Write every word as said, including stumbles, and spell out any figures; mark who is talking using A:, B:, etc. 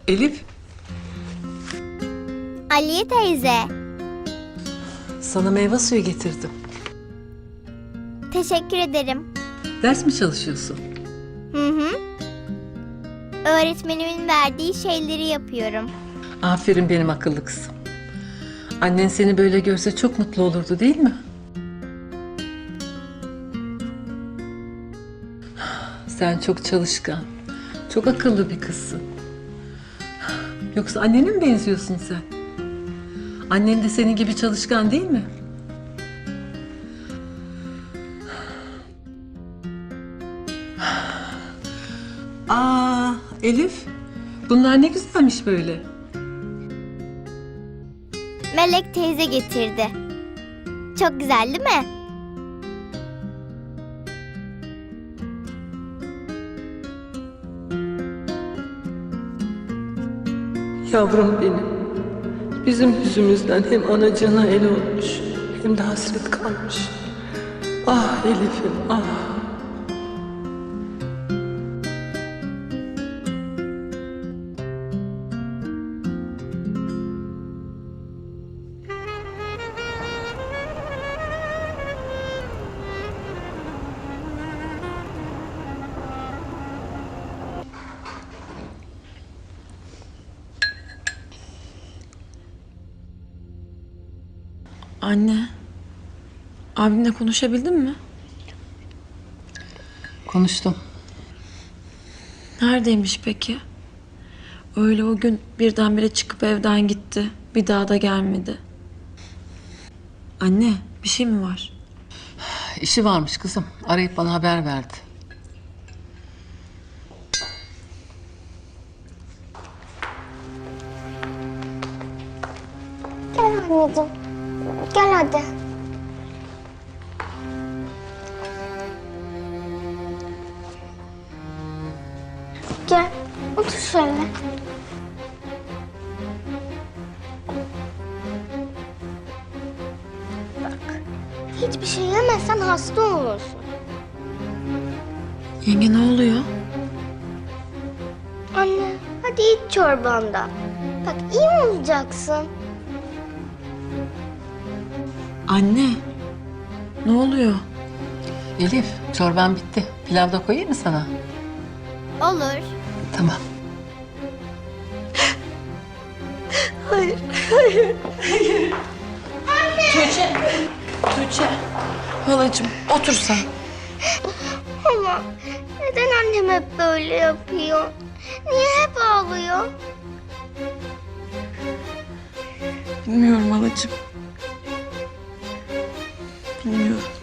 A: Elif,
B: Aliye teyze.
A: sana meyve suyu getirdim.
B: Teşekkür ederim.
A: Ders mi çalışıyorsun?
B: Hı hı. Öğretmenimin verdiği şeyleri yapıyorum.
A: Aferin benim akıllı kızım. Annen seni böyle görse çok mutlu olurdu değil mi? Sen çok çalışkan, çok akıllı bir kızsın. Yoksa annene mi benziyorsun sen? Annen de senin gibi çalışkan değil mi? Aa, Elif, bunlar ne güzelmiş böyle.
B: Melek teyze getirdi. Çok güzel değil mi?
A: Yavrum benim, bizim yüzümüzden hem anacığına el olmuş, hem de hasret kalmış. Ah Elif'im, ah.
C: Anne, abimle konuşabildin mi?
A: Konuştum.
C: Neredeymiş peki? Öyle o gün birdenbire çıkıp evden gitti. Bir daha da gelmedi. Anne, bir şey mi var?
A: İşi varmış kızım, arayıp bana haber verdi.
B: Gel anneciğim. Gel hadi. Gel. Otur şöyle. Bak. Hiçbir şey yemezsen hasta olursun.
C: Yenge ne oluyor?
B: Anne, hadi iç çorbanda. Bak iyi olacaksın.
C: Anne, ne oluyor?
A: Elif, çorban bitti. Pilav da koyayım mı sana?
B: Olur.
A: Tamam.
C: Tuğçe, Tuğçe. Halacığım, otur sen.
B: Ama neden annem hep böyle yapıyor? Niye hep ağlıyor?
C: Bilmiyorum halacığım. Bilmiyorum.